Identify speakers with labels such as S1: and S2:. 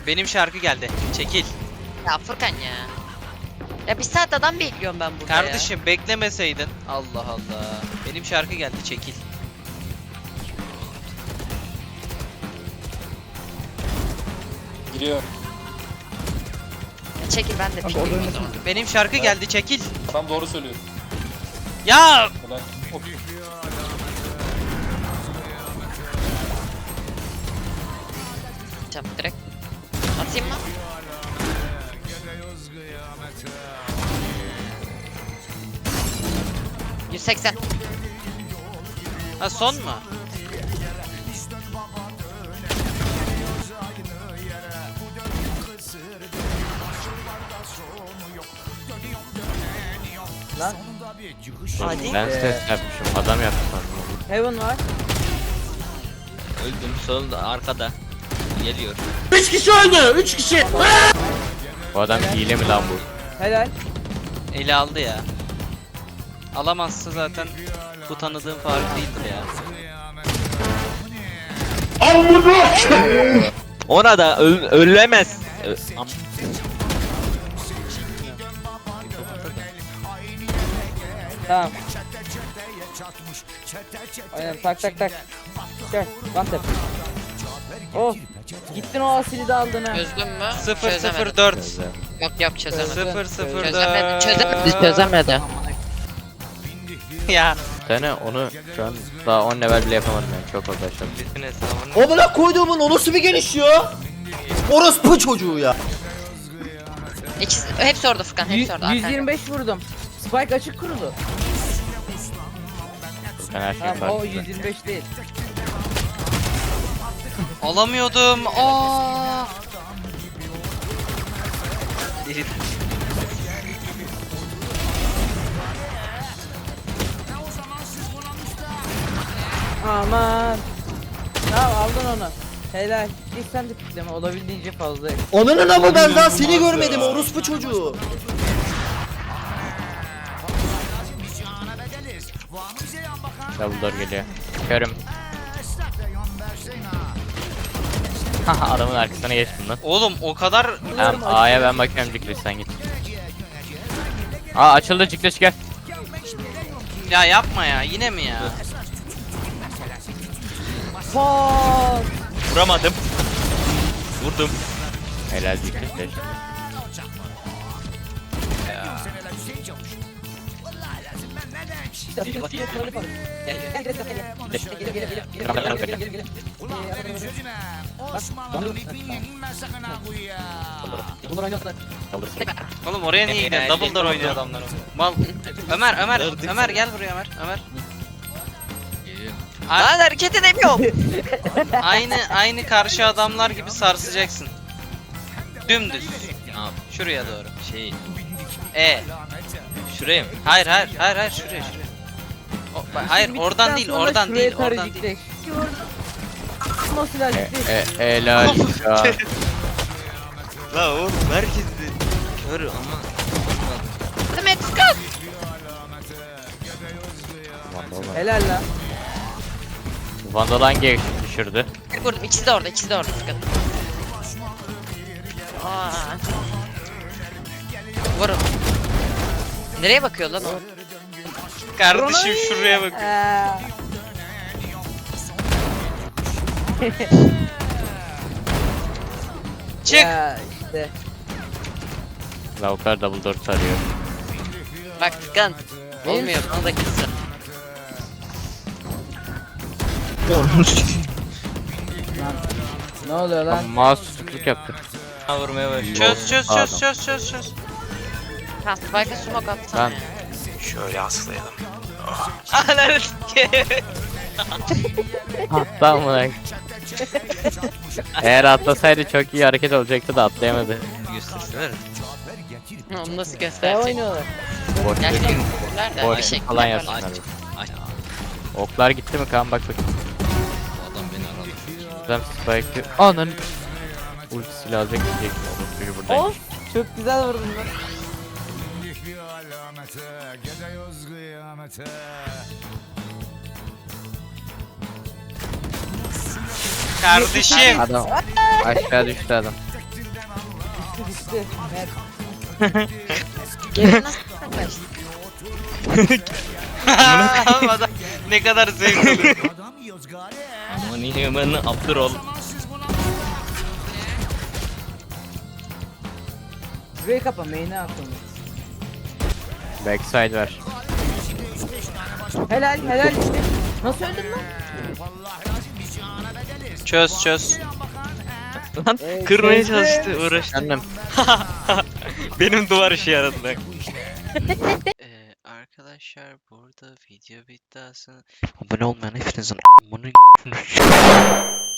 S1: Benim şarkı geldi. Çekil.
S2: Ya Furkan ya. Ya bir saat adam bekliyorum ben burada
S1: Kardeşim beklemeseydin. Allah Allah. Benim şarkı geldi. Çekil.
S3: Giriyor.
S2: ya. Çekil ben de pikleyeyim o zaman.
S1: Benim şarkı geldi. Çekil.
S3: Adam doğru söylüyor.
S1: Ya
S3: Helal. Hop.
S2: Tamam direkt. Atayım mı? ...180.
S1: ha son mu?
S4: Lan
S2: Hadi.
S5: Ben ses yapmışım. Adam yaptı sandım.
S4: Heaven var.
S1: Öldüm. Solda arkada. Geliyor.
S5: Bu adam hile mi lan bu?
S4: Helal.
S1: Eli aldı ya. Alamazsa zaten bu tanıdığım Faruk değildir ya. Ona da ölemez.
S4: Tamam. Aynen tak tak tak. Gel. One tap. Oh. Gittin o asili de aldın ha.
S2: Çözdün mü?
S1: 004
S2: Yok çözemedim.
S1: 004
S2: Çözemedi.
S1: Ya.
S5: Sene onu şu an daha 10 level bile yapamadım yani. Çok fazla aşağı.
S1: Bütün hesabını.
S6: Amına koyduğumun o nasıl bir geliş ya? Orospu çocuğu ya.
S2: İkisi, hepsi orada Furkan, hepsi orada.
S4: 125 vurdum. Spike açık kurulu.
S5: Ben her şeyi
S4: Tamam o
S5: farklı.
S4: 125 değil.
S1: Alamıyordum. Aa.
S4: Aman. Tamam aldın onu. Helal. Git sen de pikleme olabildiğince fazla.
S6: Ananın ama ben daha seni görmedim orospu çocuğu.
S5: Double door geliyor. Körüm. Haha adamın arkasına geçtim lan.
S1: Oğlum o kadar
S5: Tamam A'ya ben bakıyorum Cikliş sen git. Aa açıldı Cikliş gel.
S1: ya yapma ya. Yine mi ya?
S4: Fuck.
S1: Vuramadım. Vurdum.
S5: Helal Cikliş de.
S1: Oğlum oraya niye gidiyorsun? Double door oynuyor adamlar. Mal. Ömer gel buraya Ömer.
S2: Lan hareket edemiyorum.
S1: Aynı karşı adamlar gibi sarsacaksın. Dümdüz. Şuraya doğru. Şuraya mı? Hayır şuraya. Hayır oradan değil.
S4: Nasıl acıktı?
S5: Helal ya.
S1: La oğlum herkes de kör ama.
S2: Demet Furkan.
S4: Helal lan.
S5: Vandal hangi düşürdü?
S2: Vurdum, ikisi de orada Furkan. Aa. Vurun. Nereye bakıyor lan o?
S1: Kardeşim şuraya bak. Çık.
S4: Ya işte.
S5: Lavuklar double door sarıyor.
S2: Bak Furkan. Olmuyor, bana da gitsin.
S4: Ne oluyor lan?
S5: Mouse tutukluk yaptı.
S1: Vurmaya bak.
S5: Pardon.
S1: Çöz.
S2: Ha, Spike'a smoke attım
S5: Ben
S2: ya.
S1: Şöyle aslayalım. Ananı sikeyim.
S5: atlam bırak. Eğer atlasaydı çok iyi hareket olacaktı da atlayamadı.
S1: Göstersene.
S2: Onu nasıl
S4: Ne
S2: gösterecek?
S4: oynuyorlar?
S5: Boş
S2: Gerçekten
S5: verin.
S2: küfürler de
S5: Boş
S2: bir şey
S5: falan
S2: yaparlar.
S5: yapsınlar. Oklar gitti mi kan bak bakayım.
S1: Adam beni aradı.
S5: Adam spike'ı. Ananı. Ultisiyle alacak diyecek. Çünkü buradayım.
S4: Of. Çok güzel vurdun lan.
S1: Kardeşim.
S5: Adam aşağı düştü adam.
S4: düştü. Mert.
S2: Geri nasıl kaçtı?
S1: Adam ne kadar zevk alıyor. Aman iyi ben Abdurol.
S4: Burayı kapa main'e aklımda.
S5: Backside var.
S4: Helal helal işte. Nasıl öldün lan?
S1: Çöz. Lan kırmaya
S4: çözdü.
S1: çalıştı uğraştı.
S5: Kendim.
S1: Benim duvar işi yaradı. Arkadaşlar burada video bitti aslında. Abone olmayan hepinizin amını